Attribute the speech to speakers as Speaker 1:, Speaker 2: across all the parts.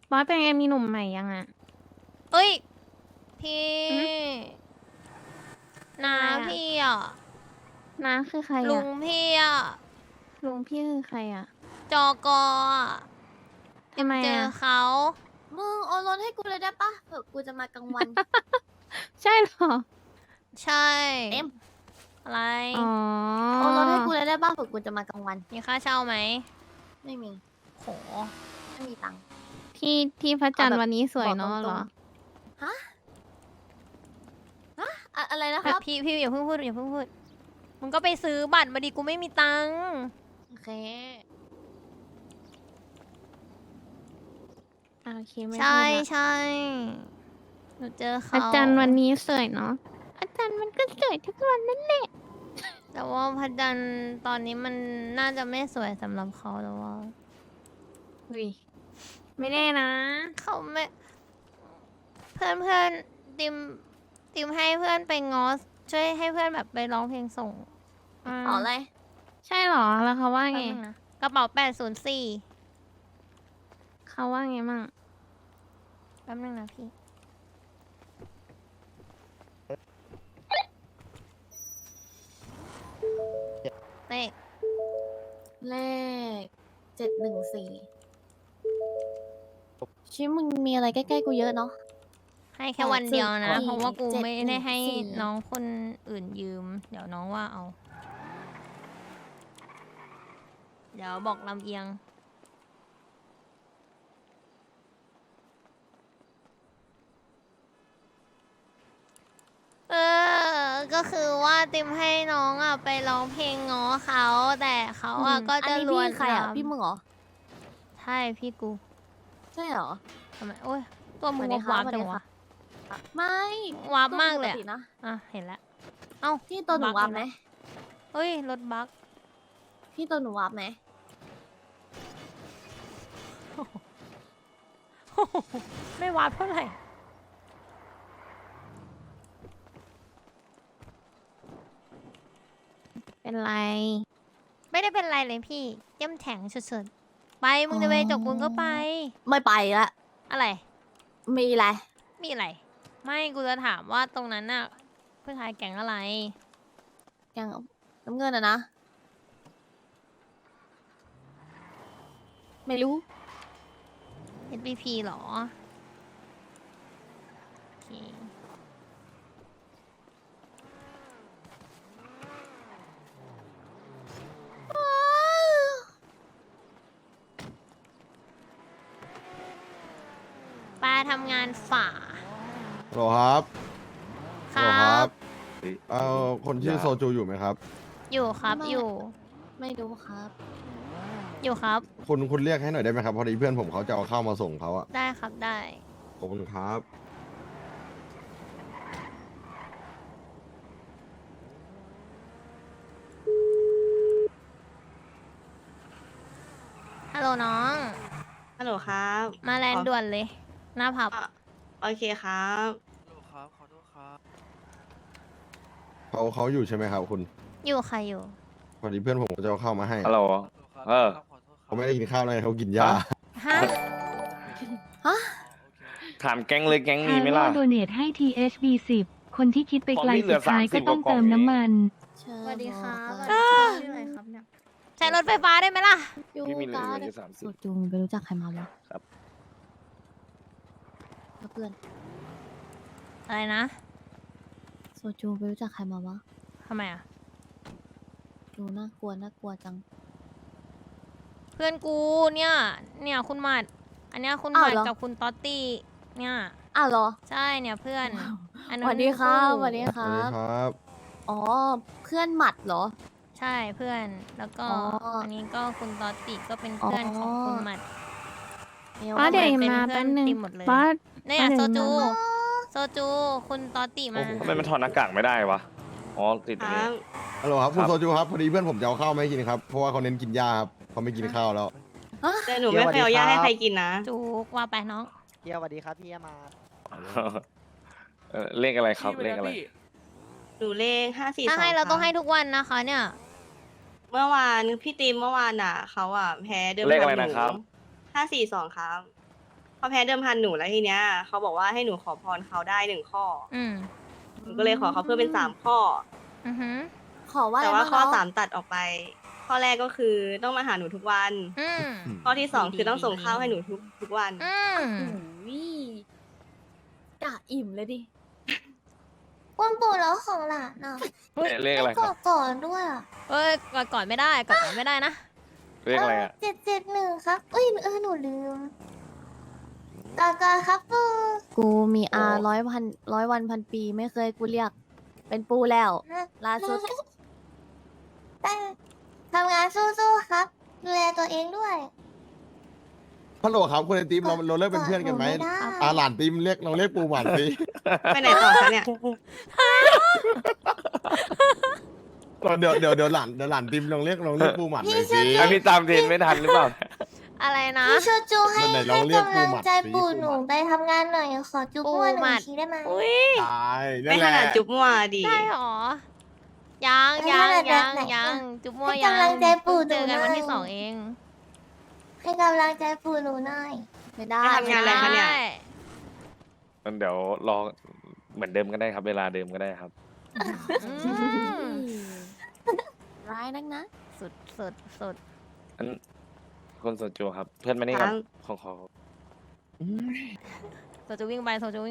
Speaker 1: บอสเป็นไงมีหนุ่มใหม่ยังอ่ะ
Speaker 2: เอ้ยพี่
Speaker 1: หึ
Speaker 2: นา
Speaker 1: อะไรอ่ะ
Speaker 2: พี่อ่ะ
Speaker 1: น้าคือใคร
Speaker 2: ลุ
Speaker 1: อ่ะ
Speaker 2: งพี่อ่ะ
Speaker 1: ลุงพี่คือใครอ่ะ
Speaker 2: จอกออ่ะ
Speaker 1: ทำไม
Speaker 2: ทำเจอ
Speaker 1: อ่ะ
Speaker 2: เขา
Speaker 3: มึงโอนรถให้กูเลยได้ปะเผื่อกูจะมากลางวัน
Speaker 1: ใช่เหรอ
Speaker 2: ใช่
Speaker 3: เอ็ม
Speaker 2: อะไร
Speaker 1: อ๋อ
Speaker 3: โอนรถให้กูเลยได้ปะเผื่อกูจะมากลางวัน
Speaker 2: มีค่าเช่าไหม
Speaker 3: ไม่มี
Speaker 2: โห
Speaker 3: ไม่มีตังค์
Speaker 1: ที่พระจันทร์
Speaker 3: เอาแบบ
Speaker 1: วันนี้สวย
Speaker 3: บอก
Speaker 1: เนาะ
Speaker 3: ต
Speaker 1: เห
Speaker 3: ร
Speaker 1: รง อ
Speaker 3: ๆฮะอะไรนะค
Speaker 2: แบ
Speaker 3: รั
Speaker 2: บบ พี่อย่าเพิ่งพูดอย่าเพิ่งพูดมึงก็ไปซื้อบัตรมาดิกูไม่มีตังค์
Speaker 3: โอเค
Speaker 1: โอเคไม่
Speaker 2: ใช่
Speaker 1: พูดละ
Speaker 2: ใช่หนูเจอ
Speaker 1: พระ
Speaker 2: เขา
Speaker 1: จันทร์วันนี้สวยเนาะพระจันทร์มันก็สวยทุกวันนั่นแหละ
Speaker 2: แต่ว่าพระจันทร์ตอนนี้มันน่าจะไม่สวยสำหรับเขาแล้วว่า
Speaker 1: อุ้ยไม่แน่นะ
Speaker 2: เขาไม่เพื่อนเพื่อนติมติมให้เพื่อนไปงอสช่วยให้เพื่อนแบบไปร้องเพลงส่ง
Speaker 3: ต่ออะไร
Speaker 1: ใช่เหรอแล้วเขาว่า
Speaker 2: แป๊บ
Speaker 1: ไง
Speaker 2: นึงนะกระเป๋า804
Speaker 1: เขาว่าไงมั่ง
Speaker 2: แป๊บนึงนะพี่เลข
Speaker 3: เลข714ชีวิตมึงมีอะไรใกล้ๆกูเยอะเนาะ
Speaker 2: ให้แค่วันเดียวนะ
Speaker 3: 804
Speaker 2: เพราะว่ากูไม่ได้ให้
Speaker 3: 714
Speaker 2: น้องคนอื่นยืม เดี๋ยวน้องว่าเอา เดี๋ยวบอกลำเอียง เออ ก็คือว่าติมให้น้องอ่ะไปร้องเพลงง้อเขาแต่เขาอ่ะก็จะ
Speaker 3: อันนี้
Speaker 2: ลวน
Speaker 3: พี่ใครอ่ะ
Speaker 2: ลาม
Speaker 3: พี่มึงเหรอ
Speaker 2: ใช่พี่กู
Speaker 3: ใช่เหรอ
Speaker 2: ทำไมโอ้ยตัวมึง
Speaker 3: สวัสดี
Speaker 2: วับ
Speaker 3: ค่ะ
Speaker 2: วาบจัง
Speaker 3: สวัสดี
Speaker 2: วะ
Speaker 3: ค่ะ ไม่
Speaker 2: วาบมากเลย
Speaker 3: ป
Speaker 2: อะ
Speaker 3: ตินะ
Speaker 2: อ่ะเห็นแล้วเอ้า
Speaker 3: พี่ตัวหนู
Speaker 2: บั๊ก
Speaker 3: วาร์ป
Speaker 2: อีก
Speaker 3: ไหม
Speaker 2: แล้ว เฮ้ยรถบั๊ก
Speaker 3: พี่ตัวหนูวาร์ปไหม
Speaker 2: ไม่วาบเท่าไหร่
Speaker 1: เป็นไร
Speaker 2: ไม่ได้เป็นไรเลยพี่เจ้มแข็งสุดๆไปมึงจะไปจกบุญก็ไป
Speaker 3: ไม่ไปละ
Speaker 2: อะไร
Speaker 3: มีอะไร
Speaker 2: มีอะไร ไม่กูจะถามว่าตรงนั้นน่ะผู้ชายแก๊งอะไร
Speaker 3: แกงน้ำเงินอะนะ ไม่รู้
Speaker 2: SBP เหรอโอเคป้าทำงานฝ่า
Speaker 4: ฮัลโหลครับ
Speaker 2: ค
Speaker 4: ฮัลโหล
Speaker 2: รั
Speaker 4: ครับ บคนชื่อโซจูอยู่ไหมครับ
Speaker 2: อยู่ครับ
Speaker 3: ไม่
Speaker 2: อยู่
Speaker 3: ไม่รู้ครับ
Speaker 2: อยู่ครับ
Speaker 4: คุณเรียกให้หน่อยได้ไหมครับ พอดีเพื่อนผมเขาจะเอาข้าวมาส่งเขาอะ
Speaker 2: ได้ครับได้
Speaker 4: ขอบคุณครับ
Speaker 2: ฮัลโหลน้อง
Speaker 5: ฮัลโหลครับ
Speaker 2: มาแลน
Speaker 5: ข
Speaker 2: ด์
Speaker 5: อ
Speaker 2: ด่วนเลย หน้าผับ
Speaker 5: อ่ะโอเคครับ
Speaker 4: เขาอยู่ใช่ไหมครับคุณ
Speaker 2: อยู่ค่ะอยู่
Speaker 4: พอดีเพื่อนผมจะเอาข้าวมาให้
Speaker 6: ฮัลโหล เออ
Speaker 4: เขาไม่ได้กินข้าวเลยเขากินยา
Speaker 2: ฮะ
Speaker 6: ถามแก๊งเลยแก๊งมีไหมล่ะ
Speaker 7: โดเนทให้ THB 10 คนที่คิดไปไกล
Speaker 6: ของพี่เหลื
Speaker 7: สุ
Speaker 6: อ
Speaker 7: ดท้าย
Speaker 6: 30
Speaker 7: ก็ต้อง
Speaker 6: กว่า
Speaker 7: เติม
Speaker 6: กล่อง
Speaker 7: น้ำมัน
Speaker 3: เชิญ
Speaker 1: สวัสดีค่ะ
Speaker 3: บอก
Speaker 1: ชื่ออะไรครับเนี่ย
Speaker 2: ใช้รถไฟฟ้าได้ไหมล่ะ
Speaker 3: ยู
Speaker 6: พี่มีเหลือ
Speaker 3: การ์ด
Speaker 6: อยู่30
Speaker 3: สูจูมึงไปรู้จักใครมาวะ
Speaker 6: ครับ
Speaker 3: แล้วเพื่อน
Speaker 2: อะไรนะ
Speaker 3: โซจูไปรู้จักใครมาวะ
Speaker 2: ทำไมอ่ะ
Speaker 3: ดูน่ากลัวจัง
Speaker 2: เพื่อนกูเนี่ยคุณหมัด อันเนี้ยคุณหมัด
Speaker 3: อ้าวเหรอ
Speaker 2: กับคุณต๊อตตี้ เนี่ย
Speaker 3: อ้าวเหรอ
Speaker 2: ใช่เนี่ยเพื่อน อัน
Speaker 3: ส
Speaker 2: นู้น
Speaker 3: วัสดีครับ
Speaker 2: คู่
Speaker 3: สวัสดีค
Speaker 4: สวั
Speaker 3: รั
Speaker 4: สดี
Speaker 3: บ
Speaker 4: ครับ
Speaker 3: อ๋อ เพื่อนหมัดเหรอ
Speaker 2: ใช่เพื่อน แล้วก็
Speaker 3: อ๋ออั
Speaker 2: อันนี้ก็คุณต๊อตตี้ก็เป็นเพื่อนของคุณหมัด
Speaker 1: บอสเดี๋ยว
Speaker 2: เป็น
Speaker 1: มา
Speaker 2: เพื่
Speaker 1: แป๊
Speaker 2: อน
Speaker 1: บนึง
Speaker 2: ติมหมดเลย
Speaker 1: บอส
Speaker 2: เนี่ย
Speaker 1: มา
Speaker 2: โซ
Speaker 1: เดี๋ยว
Speaker 2: จู
Speaker 1: มา
Speaker 2: โซจู คุณต๊อตตี้มา
Speaker 6: โอ้โหทำไมมันถอดหน้ากากไม่ได้วะ อ๋อ ติด
Speaker 5: ค
Speaker 6: ตรง
Speaker 5: รั
Speaker 6: นี้
Speaker 5: บ
Speaker 4: ฮัลโหลครับคุณ
Speaker 6: ครับ
Speaker 4: โซจูครับ พอดีเพื่อนผมจะเอาข้าวมาให้กินครับ เพราะว่าเขาเน้นกินยาครับเขาไม่กินข้าวแล้ว
Speaker 5: แต่หนูไม่เคยเอายาให้ใครกินนะ
Speaker 2: จูกว่าไปน้อง
Speaker 8: เฮียสวัสดีครับพี่มา
Speaker 6: เลขอะไรครับ เลขอะไร
Speaker 5: หนูเลข542
Speaker 2: ถ้าให้เราต้องให้
Speaker 5: คบ
Speaker 2: ทุกวันนะคะเนี่ย
Speaker 5: เมื่อวานพี่ติมเมื่อวานอ่ะเขาอ่ะแพ้เดิม
Speaker 6: เลขอะไร
Speaker 5: พัห
Speaker 6: นะครับ
Speaker 5: 542ครับ เขเขาแพ้เดิมพันหนูแล้วทีเนี้ยเขาบอกว่าให้หนูขอพรเขาได้1 ข้อ
Speaker 2: อืม
Speaker 5: หนูก็เลยขอเขาเพิ่มเป็น3 ข้อ
Speaker 2: อือหือ
Speaker 3: ขอว่า
Speaker 5: แต่
Speaker 3: อะไร
Speaker 5: ว่า
Speaker 3: บ้าง
Speaker 5: ข้อ
Speaker 3: เนาะ
Speaker 5: 3ตัดออกไป ข้อแรกก็คือต้องมาหาหนูทุกวัน
Speaker 2: อืม
Speaker 5: ข้อที่2คือต้องส่งข้าวให้หนูทุกวัน
Speaker 2: อืม
Speaker 3: อุ้ยกะอิ่มเลยดิ
Speaker 1: คุณปู่แล้วของหลานอ่ะ
Speaker 6: เลขอะไรครับ
Speaker 1: ก่อนด้วยอ่ะ
Speaker 2: เอ้ยก่อนไม่ได้ก่อนไม่ได้นะ
Speaker 6: เลขอะไรอ่ะ
Speaker 1: 771ครับเอ้ยหนูลืมกากาครับปู่
Speaker 3: กูมี
Speaker 6: โอ้
Speaker 3: ร้อยวันพันปีไม่เคยกูเรียก เป็นปูแล้วล่าสุด
Speaker 1: แต่ทำงานสู้ๆครับดูแลตัวเองด้วย
Speaker 4: ฮัลโหลครับคุณไอติมเราเลิกเป็นเพื่อนกันไหม
Speaker 1: ไม่ได้
Speaker 4: หลานติมเรียกเราเรียกปูหวานสิ
Speaker 5: ไปไหนต่อคะเนี่ย
Speaker 4: เดี๋ยวหลานติมลองเรียกปูหวานหน่อยสิ
Speaker 6: ไอพี่ตามเทรนไม่ทันหรือเปล่า
Speaker 2: อะไรนะ
Speaker 1: พี่โชจูให้
Speaker 4: ไหนล
Speaker 1: ให้
Speaker 4: องเรียก
Speaker 1: กำลังใจ
Speaker 4: ปู
Speaker 1: ปู่
Speaker 4: หมัดสิ
Speaker 1: หนูไปทำงานหน่อยขอจุ๊บ
Speaker 2: ปู
Speaker 1: มั่วห
Speaker 2: หมั
Speaker 1: นึ่ง
Speaker 2: ด
Speaker 1: ทีได้ไหม
Speaker 2: อุ้ย
Speaker 4: ตายนั่
Speaker 5: ไม่
Speaker 4: นแห
Speaker 5: ข
Speaker 4: ละ
Speaker 5: นาดจุ๊บมั่วดี
Speaker 2: ได้หรอ ยัง
Speaker 1: ให้ขนาดแบบไหน
Speaker 2: จุ๊บมั่ว
Speaker 1: ให้
Speaker 2: ยัง
Speaker 1: กำลังใจปู่
Speaker 2: เจอกัน
Speaker 1: หน่อย
Speaker 2: วันที่2เอง
Speaker 1: ให้กำลังใจปู่หนูหน่อย
Speaker 3: ไม่ได้
Speaker 5: ไปทำงานอะไรคะเนี่ย
Speaker 2: ด้
Speaker 6: งั้นเดี๋ยวรอเหมือนเดิมก็ได้ครับ เวลาเดิมก็ได้ครับ
Speaker 2: อืม
Speaker 3: ร้ายนักนะ
Speaker 2: สุด
Speaker 6: อันคนโซจูครับ เพื่อนมานี่ครับ
Speaker 5: ครับ
Speaker 6: ของขอ
Speaker 2: โซจูวิ่งไป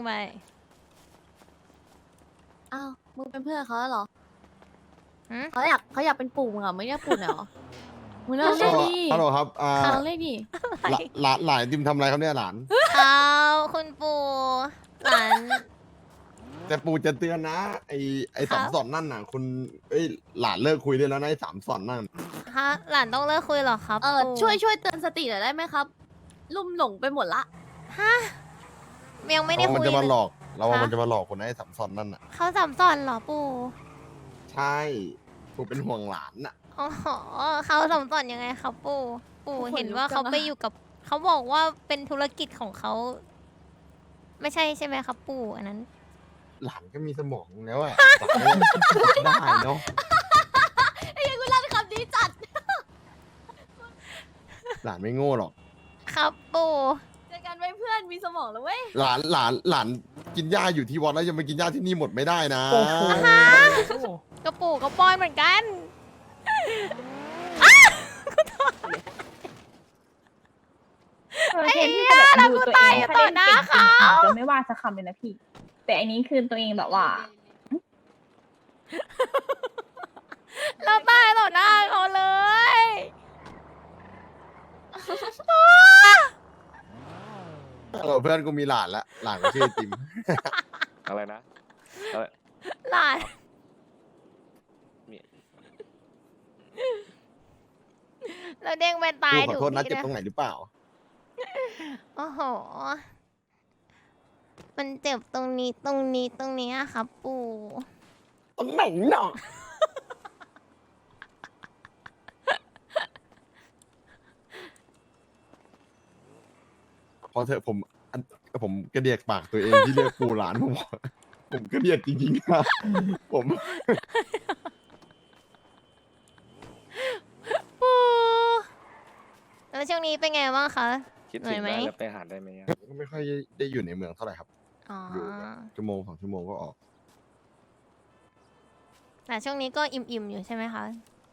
Speaker 3: อ้าว มึงเป็นเพื่อนเขาแล้วเหรอ
Speaker 2: หืม
Speaker 3: เขาอยากเป็นปู่มึงเหรอไม่เรียกปู่หน่อยเหรอ มึงเลิกเรียกดิ
Speaker 4: ฮัลโหลครับ
Speaker 3: เขาเรียกดิ
Speaker 4: หลานติมทำอะไรครับเนี่ยหลาน
Speaker 2: เอาคุณปู่หลาน
Speaker 4: แต่ปู่จะเตือนนะ ไอ้สามสอนนั่นน่ะ คุณหลานเลิกคุยได้แล้วนะไอ้3 สอนนั่น
Speaker 2: ฮะหลานต้องเลิกคุยเหรอครับปู่
Speaker 3: ช่วยเตือนสติหน่อยได้ไหมครับ ลุ่มหลงไปหมดละ
Speaker 2: ฮะยังไม่ได้
Speaker 4: มัน
Speaker 2: คุย
Speaker 4: จะมาหล
Speaker 2: เลย
Speaker 4: อกเราว่า
Speaker 2: ฮะ
Speaker 4: มันจะมาหลอกคนนะไอ้3 สอนนั่นน่ะ
Speaker 2: เขาสัมสอนเหรอปู่
Speaker 4: ใช่ปู่เป็นห่วงหลานน่ะ
Speaker 2: อ๋อเขาสัมสอนยังไงครับปู่
Speaker 3: ขนลุก
Speaker 2: เห็นว่า
Speaker 3: จัง
Speaker 2: เขา
Speaker 3: อะ
Speaker 2: ไปอยู่กับเขาบอกว่าเป็นธุรกิจของเขา ไม่ใช่ใช่ไหมครับปู่อันนั้น
Speaker 4: หลานก็มีสมองแล้วอะหลานก็ได้เนาะ
Speaker 3: ไอ้ยังกูลั่นคำนี้จัด
Speaker 4: หลานไม่โง่หรอก
Speaker 2: ครับปู่
Speaker 3: เจอกันไว้เพื่อนมีสมองแล้วเว้ย
Speaker 4: หลานกินหญ้าอยู่ที่วัดแล้วยังมากินหญ้าที่นี่หมดไม่ได้นะ
Speaker 2: กระปู่กระปอยเหมือนกัน
Speaker 8: ไอ้เหี้ยแล้วกูตายต่อหน้าเขาจะไม่ว่าสักคำเลยนะพี่ แต่อันนี้คือตัวเองแบบว่า
Speaker 2: เราตายต่อหน้าเขาเลย
Speaker 4: เพื่อนกูมีหลานละหลานก็ชื่อไอติม
Speaker 6: อะไรนะอะไร
Speaker 2: หลาน
Speaker 6: มี
Speaker 2: เราเด้งไปตาย
Speaker 4: กูขอโทษนะ
Speaker 2: ถูก
Speaker 4: เจ็บ
Speaker 2: ที่
Speaker 4: ตรงไหนหรือเปล่า
Speaker 2: โอ้โห มันเจ็บตรงนี้อะครับปู่
Speaker 4: ตรงไหนเนาะพอเถอะผมกระเดียกปากตัวเองที่เรียกปูหลานผมกระเดียกจริงๆครับผม
Speaker 2: ปู่แล้วช่วงนี้เป็นไงบ้างคะ
Speaker 6: คิด
Speaker 2: เหนื่
Speaker 6: ถึ
Speaker 2: อย
Speaker 6: ง
Speaker 2: ไหม
Speaker 6: ได้แล้วไปหาได้ไหมอะ
Speaker 4: ก็ไม่ค่อยได้อยู่ในเมืองเท่าไหร่ครับ
Speaker 2: อ๋อ
Speaker 4: อยู่แบบชั่วโมง2 ชั่วโมงก็ออก
Speaker 2: แต่ช่วงนี้ก็อิ่มๆอยู่ใช่ไหมคะ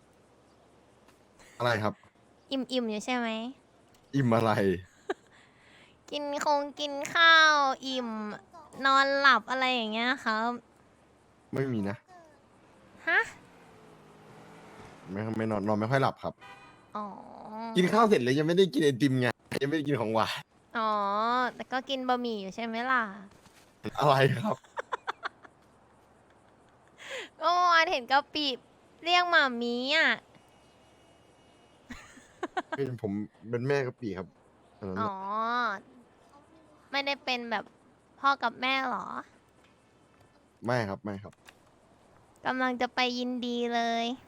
Speaker 4: อะไรครับ
Speaker 2: อิ่มอยู่ใช่ไหม
Speaker 4: อิ่มอะไร
Speaker 2: กินข้าวอิ่ม นอนหลับอะไรอย่างเงี้ยครับ
Speaker 4: ไม่มีนะ
Speaker 2: ฮะ
Speaker 4: ไม่นอนไม่ค่อยหลับครับ
Speaker 2: อ๋อ
Speaker 4: กินข้าวเสร็จเลยยังไม่ได้กินไอติมไงยังไม่ได้กินของหวาน
Speaker 2: อ๋อ แต่ก็กินบะหมี่อยู่ใช่ไหมล่ะ
Speaker 4: อะไรครับ
Speaker 2: ก็เมื่อวานเห็นกะปิเรียกหมามีอ่ะ
Speaker 4: ผมเป็นแม่กะปีครับอันนั้น
Speaker 2: อ๋อ ไม่ได้เป็นแบบพ่อกับแม่เหรอ
Speaker 4: ไม่ครับไม่ครับ
Speaker 2: กำลังจะไปยินดีเลย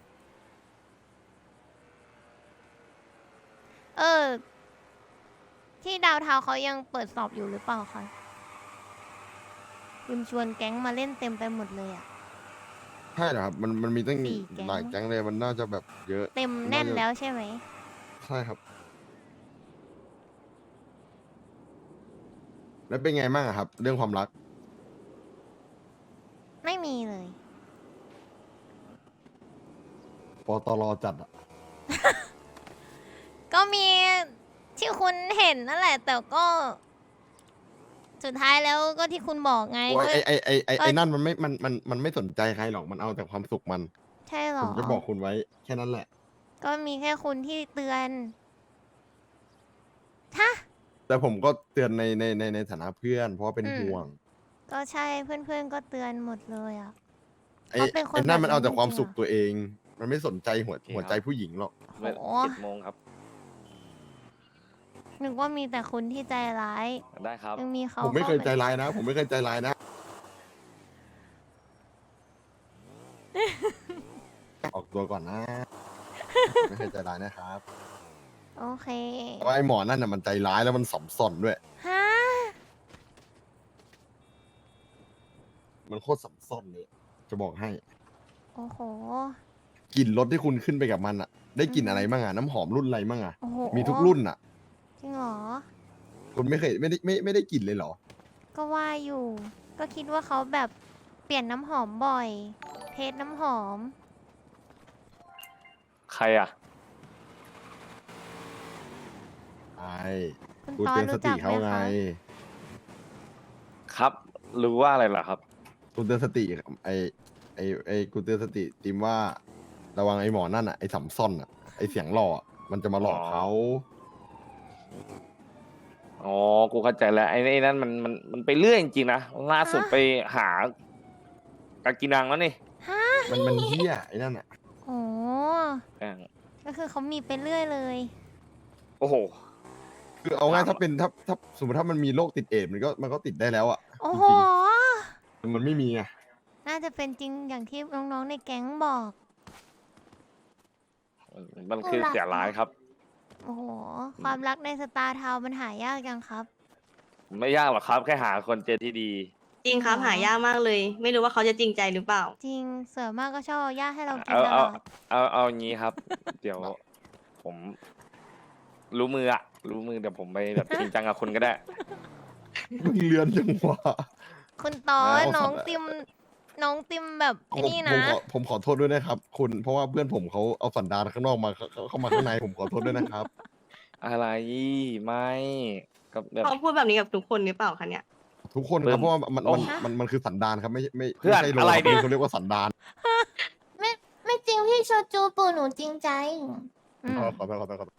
Speaker 2: ที่ดาวเทาเขายังเปิดสอบอยู่หรือเปล่าคะลืมชวนแก๊งมาเล่นเต็มไปหมดเลยอะ
Speaker 4: ใช่เหรอครับ มันมีตั้ง
Speaker 2: 4 แก๊ง
Speaker 4: หลายแก๊งเลยมันน่าจะแบบเยอะ
Speaker 2: เต็มแน่นแล้วใช่ไหม
Speaker 4: ใช่ครับแล้วเป็นไงบ้างอะครับ เรื่องความรัก
Speaker 2: ไม่มีเลย
Speaker 4: ปตรจัดอะ
Speaker 2: ก็มีที่คุณเห็นนั่นแหละ แต่ก็ สุดท้ายแล้วก็ที่คุณบอกไง
Speaker 4: โอ้ย
Speaker 2: ก็
Speaker 4: ไอ้นั่นมันไม่สนใจใครหรอกมันเอาแต่ความสุขมัน
Speaker 2: ใช่หร
Speaker 4: ผ
Speaker 2: อ
Speaker 4: มจะบอกคุณไว้แค่นั้นแหละ
Speaker 2: ก็มีแค่คุณที่เตือนฮะ
Speaker 4: แต่ผมก็เตือนในฐานะเพื่อน เพราะว่าเป็น
Speaker 2: อืม
Speaker 4: ห่วง
Speaker 2: ก็ใช่เพื่อนๆก็เตือนหมดเลยอ่ะ
Speaker 4: ไอ้
Speaker 2: เขาเป็นคน
Speaker 4: ไอ้นั่นมัน
Speaker 2: แบบนั้น
Speaker 4: เอาแต่ความ
Speaker 2: จริงๆ
Speaker 4: สุข
Speaker 2: อะ
Speaker 4: ตัวเอง มันไม่สนใจหัว
Speaker 6: โอเค
Speaker 4: หัวใจผู้หญิงหรอก
Speaker 2: โอ้โห
Speaker 6: 7 โมงครับ
Speaker 2: นึกว่ามีแต่คุณที่ใจร้าย
Speaker 6: ได้ครับ
Speaker 2: ยังมีเขา
Speaker 4: ผมไม่เคยใจ
Speaker 2: ข้าา
Speaker 4: ร้ายนะ ผมไม่เคยใจร้ายนะ ออกตัวก่อนนะ ไม่เคยใจร้ายนะครับ
Speaker 2: โอเค
Speaker 4: เพราะว่าไอ้หมอนั่นน่ะมันใจร้ายแล้วมันสมส่อนด้วย
Speaker 2: ฮะ
Speaker 4: มันโคตรสมส่อนเลย จะบอกให้
Speaker 2: โอ้โห
Speaker 4: กลิ่นรถที่คุณขึ้นไปกับมันอะได้กลิ่น
Speaker 2: อืม
Speaker 4: อะไรบ้างอะน้ำหอมรุ่นอะไรบ้างอะ
Speaker 2: โอ้โห
Speaker 4: มีทุกรุ่นอะ
Speaker 2: จริงเหรอ
Speaker 4: คุณไม่เคยไม่ได้กลิ่นเลยเหรอ
Speaker 2: ก็ว่าอยู่ ก็คิดว่าเขาแบบเปลี่ยนน้ำหอมบ่อย เทสน้ำหอม
Speaker 6: ใครอ่ะ
Speaker 4: ไอ้
Speaker 2: คุณ
Speaker 4: กู
Speaker 2: ตอ
Speaker 4: เตื
Speaker 2: น
Speaker 4: อนส
Speaker 2: รู้
Speaker 4: ติ
Speaker 2: จักไหม
Speaker 4: เขาไง
Speaker 2: คะ
Speaker 6: ครับ รู้ว่าอะไรเหรอครับ
Speaker 4: กูเตือนสติไอ้กูเตือนสติติมว่า ระวังไอ้หมอนั่นอะไอ้สำซ่อนอะไอ้เสียงหล่ออะมันจะมาหลอกเขา
Speaker 6: อ๋อ กูเข้าใจแล้ว ไอ้นั่นมันไปเรื่อยจริงๆนะ ล่าสุด
Speaker 2: ฮะ
Speaker 6: ไปหากากินังแล้วนี่
Speaker 2: ฮะ
Speaker 4: มันเหี้ยไอ้นั่นอะ
Speaker 2: โอ้
Speaker 6: แม่ง
Speaker 2: ก็คือเขามีไปเรื่อยเลย
Speaker 6: โอ้โห
Speaker 4: คือเอาง่ายถ้าสมมติถ้ามันมีโรคติดเอดส์มันก็ติดได้แล้วอะ
Speaker 2: โอ้
Speaker 4: จ
Speaker 2: โห
Speaker 4: ริงๆมันไม่มีไง
Speaker 2: น่าจะเป็นจริงอย่างที่น้องๆในแก๊งบอก
Speaker 6: มันคือเสียร้ายครับ
Speaker 2: โอ้โห ความรักในสตาร์ทาวน์มันหายากจังครับ
Speaker 6: ไม่ยากหรอกครับ แค่หาคนเจอที่ดี
Speaker 5: จริงครับ
Speaker 2: อ๋อ
Speaker 5: หายากมากเลย ไม่รู้ว่าเขาจะจริงใจหรือเปล่า
Speaker 2: จริงเสือมากก็ชอบเอาย่าให้เรากิน
Speaker 6: เอา
Speaker 2: ตล
Speaker 6: เอา
Speaker 2: อด
Speaker 6: เอาอย่างนี้ครับ เดี๋ยว ผม รู้มืออะรู้มือเดี๋ยวผมไปแบบจริงจังกับคุณก็ได้
Speaker 4: มึงเลือนจังวะ
Speaker 2: คุณตอ
Speaker 4: เอา
Speaker 2: น้อง
Speaker 4: ครับ
Speaker 2: ติมน้องติมแบบไอ้นี่นะ
Speaker 4: ผมขอโทษด้วยนะครับ คุณเพราะว่าเพื่อนผมเขาเอาสันดานข้างนอกมาเข้ามาข้างในผมขอโทษด้วยนะครับ
Speaker 6: อะไรไม่ก็แบบ
Speaker 5: เขาพูดแบบนี้กับทุกคนหรือเปล่าคะเนี่ย
Speaker 4: ทุกคนครับเพราะว่ามัน
Speaker 6: โอ้
Speaker 4: มันคือสันดานครับไม่
Speaker 6: เพื่อน
Speaker 4: ใช่โล
Speaker 6: อะไร
Speaker 4: ครับ
Speaker 6: เนี่ย
Speaker 4: เขาเรียกว่าสันดาน
Speaker 1: ไม่จริงพี่โชจูปู่หนูจริงใจ
Speaker 2: อืม
Speaker 4: ขอโทษ